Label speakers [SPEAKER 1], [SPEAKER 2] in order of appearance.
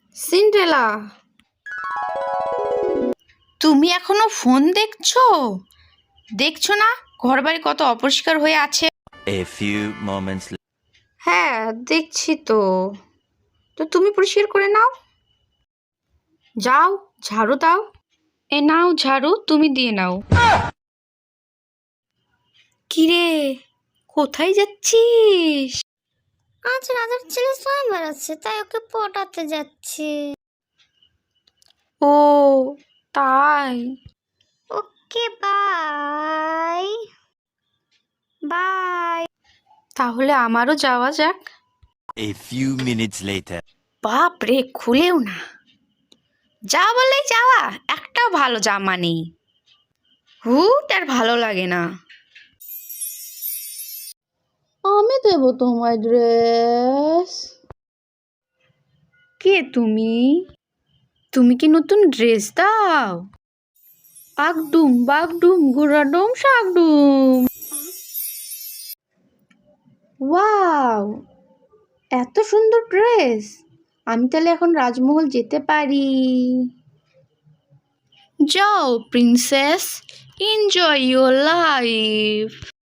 [SPEAKER 1] Cinderella, তুমি এখনো phone দেখছো? দেখছো না ঘরবাড়ি কত অপরিষ্কার হয়ে আছে?
[SPEAKER 2] A few moments later.
[SPEAKER 1] হ্যাঁ, দেখছি তো। তো তুমি পরিষ্কার করে নাও। যাও, ঝাড়ু দাও। এ নাও ঝাড়ু, তুমি দিয়ে নাও। কিরে, কোথায় যাচ্ছিস?
[SPEAKER 3] আজ রাজার ছেলে স্বয়ংবর আছে, তাই ওকে পটাতে যাচ্ছে।
[SPEAKER 1] ও তাই।
[SPEAKER 3] Okay, bye bye.
[SPEAKER 1] তাহলে আমারও যাওয়া যাক।
[SPEAKER 2] A few minutes later.
[SPEAKER 1] বাপ রে, খুলেও না। যা বলেই যাওয়া, একটাও ভালো জামা নেই। হুট আর ভালো লাগে না।
[SPEAKER 4] আমি দেবো তোমায় ড্রেস।
[SPEAKER 1] কে তুমি? তুমি কি নতুন ড্রেস দাও? আগডুম বাগডুম গুড়াডুম শাকডুম। ওয়াও, এত সুন্দর ড্রেস! আমি তাহলে এখন রাজমহল যেতে পারি। যাও প্রিন্সেস, এনজয় ইয়োর লাইফ।